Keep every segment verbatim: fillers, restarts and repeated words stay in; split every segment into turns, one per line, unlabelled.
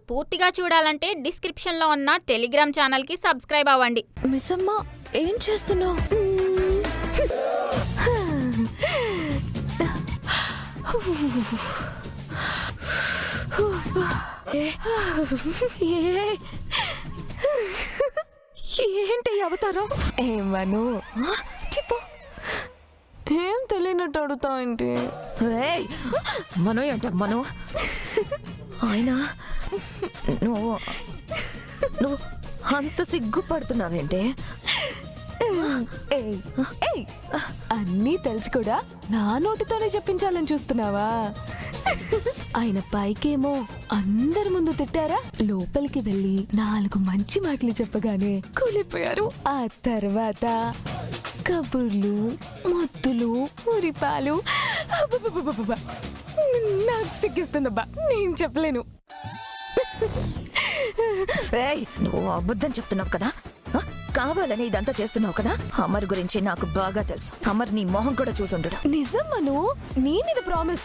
పూర్తిగా చూడాలంటే డిస్క్రిప్షన్లో ఉన్న టెలిగ్రామ్ ఛానల్కి సబ్స్క్రైబ్ అవ్వండి.
మిస్సమ్మ ఏం చేస్తున్నావు? ఏంటి అవతారం?
ఏమను
చెప్పు.
ఏం తెలియనట్టు అడుగుతావు ఏంటి?
మనో ఏంట మనో ఆయన నువ్వు నువ్వు అంత సిగ్గుపడుతున్నావేంటే?
అన్నీ తెలిసి కూడా నా నోటితోనే చెప్పించాలని చూస్తున్నావా? ఆయన పైకేమో అందరి ముందు తిట్టారా, లోపలికి వెళ్ళి నాలుగు మంచి మాటలు చెప్పగానే కూలిపోయారు. ఆ తర్వాత కబుర్లు, మొత్తులు, ఉరిపాలు. అబ్బబ్బబ్బబ్బబ్బ. నాకు సిగ్గిస్తుందబ్బా, నేను చెప్పలేను.
నువ్వు అబద్ధం చెప్తున్నావు కదా, కావాలని ఇదంతా చేస్తున్నావు కదా. అమర్ గురించి నాకు బాగా తెలుసు. అమర్ నీ మొహం కూడా చూసుండడు.
నిజం మను, నీ మీద ప్రామిస్.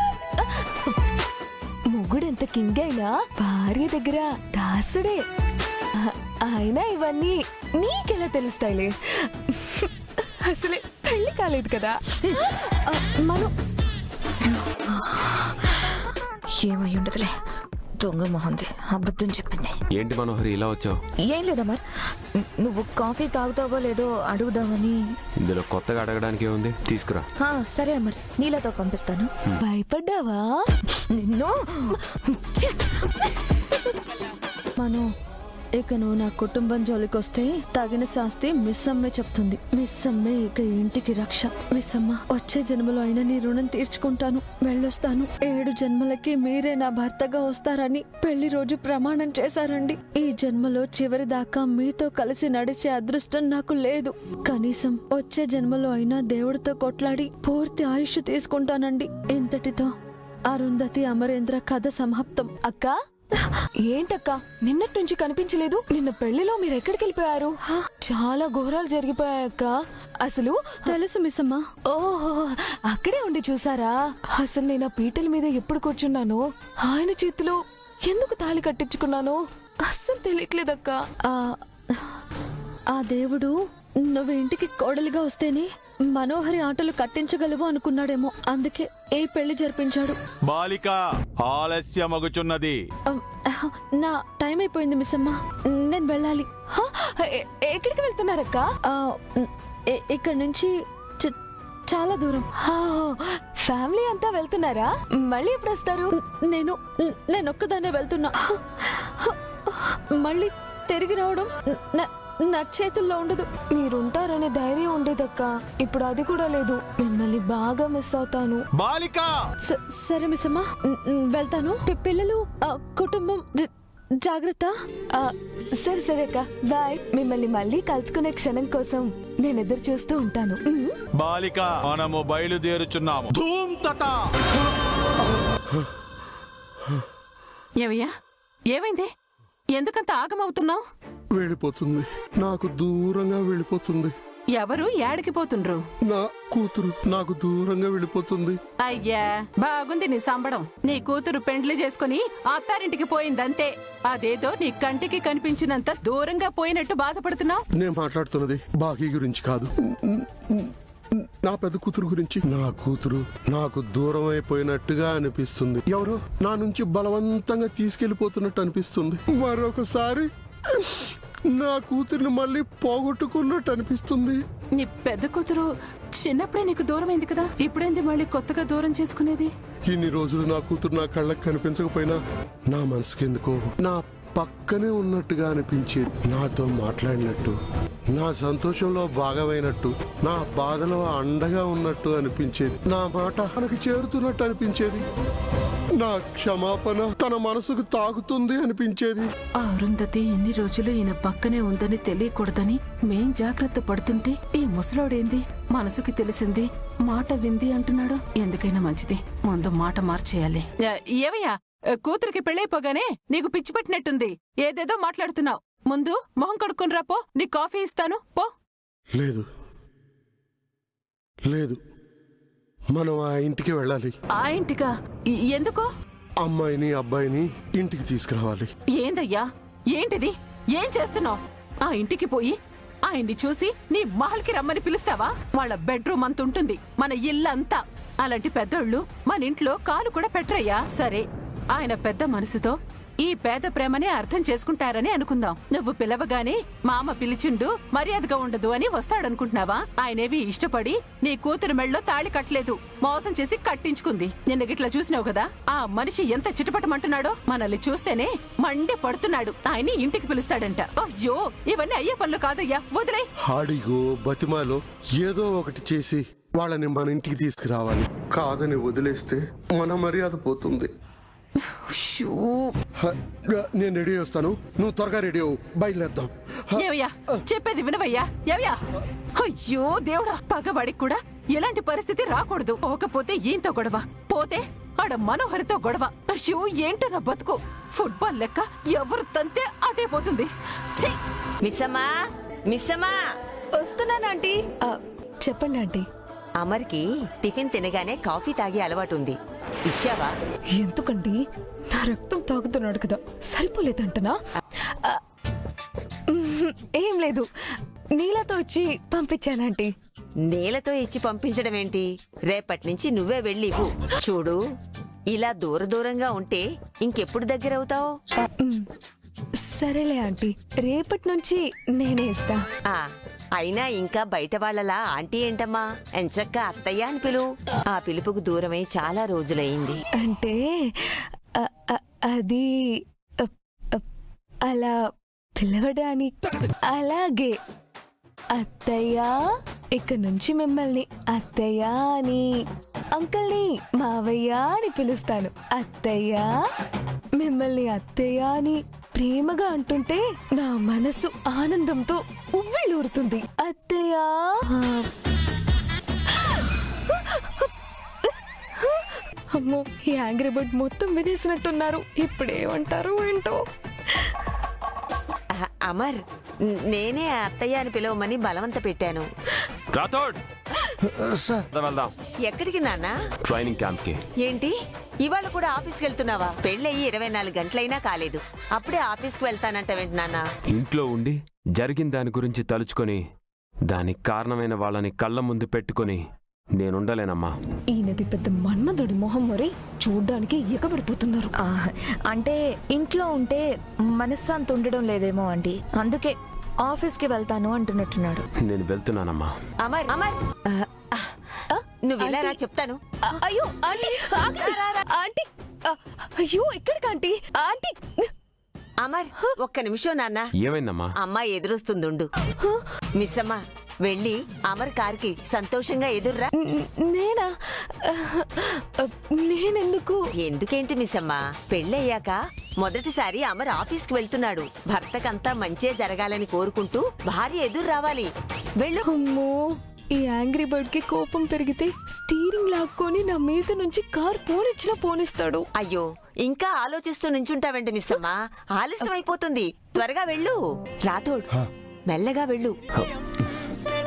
మొగుడెంత కింగ్ అయినా భార్య దగ్గర దాసుడే. అయినా ఇవన్నీ నీకెలా తెలుస్తాయిలే, అసలే పెళ్లి కాలేదు కదా. మను
ఏమై ఉండదులే, దొంగ మొహంది, అబద్ధం చెప్పింది.
ఏంటి మనోహరి ఇలా వచ్చావు?
ఏం లేదా మరి, నువ్వు కాఫీ తాగుతావో లేదో అడుగుదామని.
ఇందులో కొత్తగా అడగడానికి ఏముంది, తీసుకురా.
సరే అమర్, నీళ్ళతో పంపిస్తాను.
భయపడ్డావా?
నిన్ను
మను, ఇక నువ్వు నా కుటుంబం జోలికొస్తే తగిన శాస్తి మిస్ అమ్మే చెప్తుంది. మిస్ అమ్మే ఇక ఇంటికి రక్ష. మిస్ అమ్మ, వచ్చే జన్మలో అయినా నీ రుణం తీర్చుకుంటాను, వెళ్ళొస్తాను. ఏడు జన్మలకి మీరే నా భర్తగా వస్తారని పెళ్లి రోజు ప్రమాణం చేశారండి. ఈ జన్మలో చివరి దాకా మీతో కలిసి నడిచే అదృష్టం నాకు లేదు. కనీసం వచ్చే జన్మలో అయినా దేవుడితో కొట్లాడి పూర్తి ఆయుష్ తీసుకుంటానండి. ఇంతటితో అరుంధతి అమరేంద్ర కథ సమాప్తం.
అక్క, ఏంటక్క నిన్నటి నుంచి కనిపించలేదు? నిన్న పెళ్లిలో మీరు ఎక్కడికి వెళ్ళిపోయారు? చాలా ఘోరాలు జరిగిపోయాయక్క. అసలు
తెలుసు మిస్ అమ్మ.
ఓహో, అక్కడే ఉండి చూసారా? అసలు నేను ఆ పీటల మీద ఎప్పుడు కూర్చున్నానో, ఆయన చేతిలో ఎందుకు తాళి కట్టించుకున్నానో అస్సలు తెలియట్లేదక్క.
ఆ దేవుడు నువ్వు ఇంటికి కోడలిగా వస్తేనే మనోహరి ఆటలు కట్టించగలవు అనుకున్నాడేమో, అందుకే ఏ పెళ్లి జరిపించాడు.
బాలిక ఆలస్యమగుచున్నది.
నా టైం అయిపోయింది మిస్ అమ్మ, నేను వెళ్ళాలి.
ఎక్కడికి వెళ్తున్నారక్క?
ఇక్కడ నుంచి చాలా దూరం.
ఫ్యామిలీ అంతా వెళ్తున్నారా? మళ్ళీ ఎప్పుడు వస్తారు?
నేను నేను ఒక్కదాన్నే వెళ్తున్నా. మళ్ళీ తిరిగి రావడం నా చేతుల్లో ఉండదు.
మీరుంటారనే ధైర్యం ఉండేదక్క, ఇప్పుడు అది కూడా లేదు. మిమ్మల్ని బాగా మిస్ అవుతాను.
బాలిక
సరే మిస్ అమ్మా, వెళ్తాను. పిల్లలు, కుటుంబం జాగ్రత్త.
సరే సరే అక్క, బాయ్. మిమ్మల్ని మళ్ళీ కలుసుకునే క్షణం కోసం నేను ఎదురు చూస్తూ ఉంటాను.
బాలిక, మనము బయలుదేరుచున్నాము. ధూమ్తత.
ఏవయ్యా, ఏమైంది? ఎందుకంత ఆగమవుతున్నావు?
వెళ్ళిపోతుంది, నాకు దూరంగా వెళ్ళిపోతుంది.
ఎవరు ఏడికి పోతుండ్రు?
నా కూతురు నాకు దూరంగా వెళ్ళిపోతుంది.
అయ్యా, బాగుంది నీ సంబడం. నీ కూతురు పెండ్లి చేసుకుని అత్తారింటికి పోయిందంతే. అదేదో నీ కంటికి కనిపించినంత దూరంగా పోయినట్టు బాధపడుతున్నావు.
నేను మాట్లాడుతున్నది బాకీ గురించి కాదు, నా పెద్ద కూతురు గురించి. నా కూతురు నాకు దూరం అయిపోయినట్టుగా అనిపిస్తుంది. ఎవరో నా నుంచి బలవంతంగా తీసుకెళ్లిపోతున్నట్టు అనిపిస్తుంది. మరొకసారి నా కూతురిని మళ్ళీ పోగొట్టుకున్నట్టు అనిపిస్తుంది.
నీ పెద్ద కూతురు చిన్నప్పుడే నీకు దూరమైంది కదా, ఇప్పుడేంది మళ్ళీ కొత్తగా దూరం చేసుకునేది?
ఇన్ని రోజులు నా కూతురు నా కళ్ళకి కనిపించకపోయినా నా మనసుకెందుకో నా పక్కనే ఉన్నట్టుగా అనిపించేది. నాతో మాట్లాడినట్టు, నా సంతోషంలో భాగమైనట్టు, నా బాధలో అండగా ఉన్నట్టు అనిపించేది. నా మాట తనకి చేరుతున్నట్టు అనిపించేది. నా క్షమాపణ తన మనసుకు తాకుతుంది అనిపించేది.
అరుంధతి ఎన్ని రోజులు ఈయన పక్కనే ఉందని తెలియకూడదని మేం జాగ్రత్త పడుతుంటే ఈ ముసలోడేంది మనసుకి తెలిసింది మాట వింది అంటున్నాడు. ఎందుకైనా మంచిది, ముందు మాట మార్చేయాలి. ఏవయ్యా, కూతురికి పెళ్ళైపోగానే నీకు పిచ్చి పట్టినట్టుంది. ఏదేదో మాట్లాడుతున్నావు. ముందు మొహం కడుక్కుని రాపో, నీ కాఫీ ఇస్తాను పో.
లేదు లేదు, మనం ఆ ఇంటికి వెళ్ళాలి.
ఆ ఇంటికా? ఎందుకో?
అమ్మాయిని అబ్బాయిని ఇంటికి తీసుకురావాలి.
ఏందయ్యా ఏంటిది ఏం చేస్తున్నావు? ఆ ఇంటికి పోయి ఆయన్ని చూసి నీ మహల్కి రమ్మని పిలుస్తావా? వాళ్ళ బెడ్రూమ్ అంత ఉంటుంది, మన ఇల్లంతా. అలాంటి పెద్దోళ్ళు మన ఇంట్లో కాలు కూడా పెట్టరయ్యా. సరే, ఆయన పెద్ద మనసుతో ఈ పేద ప్రేమనే అర్థం చేసుకుంటారని అనుకుందాం. నువ్వు పిలవగానే మామ పిలిచిండు మర్యాదగా ఉండదు అని వస్తాడనుకుంటున్నావా? ఆయనేవి ఇష్టపడి నీ కూతురు మెళ్ళలో తాళి కట్టలేదు, మోసం చేసి కట్టించుకుంది. నిన్న గిట్లా చూసినావు కదా, ఆ మనిషి ఎంత చిటపటమంటున్నాడో. మనల్ని చూస్తేనే మండి పడుతున్నాడు. ఆయన్ని ఇంటికి పిలుస్తాడంట. అయ్యో, ఇవన్నీ అయ్యే పనులు కాదయ్యా, వదిలే.
హాడిగో బతిమాలో ఏదో ఒకటి చేసి వాళ్ళని మన ఇంటికి తీసుకురావాలి. కాదని వదిలేస్తే మన మర్యాద పోతుంది. హ, నేను రెడీ వస్తాను, నువ్వు త్వరగా రెడీ అవ్వు, బయలుదేద్దాం.
ఏవయ్యా చెప్పేది వినవయ్యా. ఏవయ్యా, అయ్యో దేవుడా, పగవాడికి కూడా ఎలాంటి పరిస్థితి రాకూడదు. పోకపోతే ఈయంతో గొడవ, పోతే ఆడ మనోహరితో గొడవ. అయ్యో ఏంటో నా బతుకు. ఫుట్బాల్ లెక్క ఎవరు తంతే అటే పోతుంది. ఛీ!
మిస్సమ్మా, మిస్సమ్మా,
వస్తున్నానంటీ. చెప్పండి ఆంటీ.
అమర్కి టిఫిన్ తినగానే కాఫీ తాగే అలవాటు ఉంది, ఇచ్చావా?
ఎందుకండి, నా రక్తం తాగుతున్నాడు కదా, సరిపోలేదంటనా? ఆ, మ్మ్, ఏం లేదు, నీళ్ళతో వచ్చి పంపించానంటీ.
నీళ్ళతో ఇచ్చి పంపించడం ఏంటి? రేపటి నుంచి నువ్వే వెళ్ళి ఇవ్వు. చూడు, ఇలా దూర దూరంగా ఉంటే ఇంకెప్పుడు దగ్గర అవుతావు?
ఆ, మ్మ్, సరేలే ఆంటీ, రేపటి నుంచి నేనే ఇస్తా.
ఆ, అయినా ఇంకా బయట వాళ్ళలా ఆంటీ ఏంటమ్మా, ఎంచక్క అత్తయ్య అని పిలువు. ఆ పిలుపుకు దూరమై చాలా రోజులైంది.
అంటే ఆ, ఆ, అది ఆ, ఆ, అలా పిలవడానికి. అలాగే అత్తయ్య, ఇక నుంచి మిమ్మల్ని అత్తయ్య అని, అంకల్ని మావయ్య అని పిలుస్తాను. అత్తయ్య, మిమ్మల్ని అత్తయ్య అని ప్రేమగా అంటుంటే నా మనసు ఆనందంతో ఉవ్విళ్ళూరుతుంది. అత్తయ్య. అమ్మో, ఈ యాంగ్రీ బర్డ్ మొత్తం వినేసినట్టున్నారు. ఇప్పుడేమంటారు ఏంటో.
అహ, అమర్, నేనే అత్తయ్య అని పిలవమని బలవంత పెట్టాను.
రాథోడ్, వెళ్దాం.
ఎక్కడికి నాన్న?
ట్రైనింగ్ క్యాంప్ కి.
ఏంటి, ఇవాళ కూడా ఆఫీస్కి వెళ్తున్నావా? పెళ్ళయి ఇరవై నాలుగు గంటలైనా కాలేదు, అప్పుడే ఆఫీస్కి వెళ్తానంటావేంటి నాన్న?
ఇంట్లో ఉండి జరిగిన దాని గురించి తలుచుకొని దానికి కారణమైన వాళ్ళని కళ్ళ ముందు పెట్టుకొని నేనుండలేనమ్మా.
ఈయనది పెద్ద మన్మధుడి మొహం, మరి చూడ్డానికి ఎగబడిపోతున్నారు.
ఆ, అంటే ఇంట్లో ఉంటే మనశ్శాంతి ఉండడం లేదేమో అండి, అందుకే ఆఫీస్కి వెళ్తాను అంటున్నట్టున్నాడు.
నేను వెళ్తున్నానమ్మా.
అమర్, అమర్, అహ, అహ, నువ్వు ఇలా రా చెప్తాను.
ఆ, అయ్యో ఆంటీ, ఆగండి. ఆంటీ, ఆ, అయ్యో ఇక్కడికి ఆంటీ. ఆంటీ.
అమర్, ఒక్క నిమిషం నాన్న.
ఏమైందమ్మా?
అమ్మ ఎదురొస్తుందుండు. మిస్ అమ్మ, వెళ్ళి అమర్ కార్కి సంతోషంగా ఎదుర్రా.
న- నేనా? ఆ, నేనెందుకు?
ఎందుకేంటి మిస్ అమ్మ, పెళ్ళయ్యాక మొదటిసారి అమర్ ఆఫీస్కి వెళ్తున్నాడు. భర్తకంతా మంచే జరగాలని కోరుకుంటూ భార్య ఎదురు రావాలి. వెళ్ళు.
అమ్మో, ఈ యాంగ్రీ బర్డ్ కి కోపం పెరిగితే స్టీరింగ్ లాక్కొని నా మీద నుంచి కార్ పోనిచ్చినా పోనిస్తాడు.
అయ్యో, ఇంకా ఆలోచిస్తూ నుంచుంటావండి మిస్ అమ్మ, ఆలస్యం అయిపోతుంది. త్వరగా వెళ్ళు. రాథోడ్, మెల్లగా వెళ్ళు.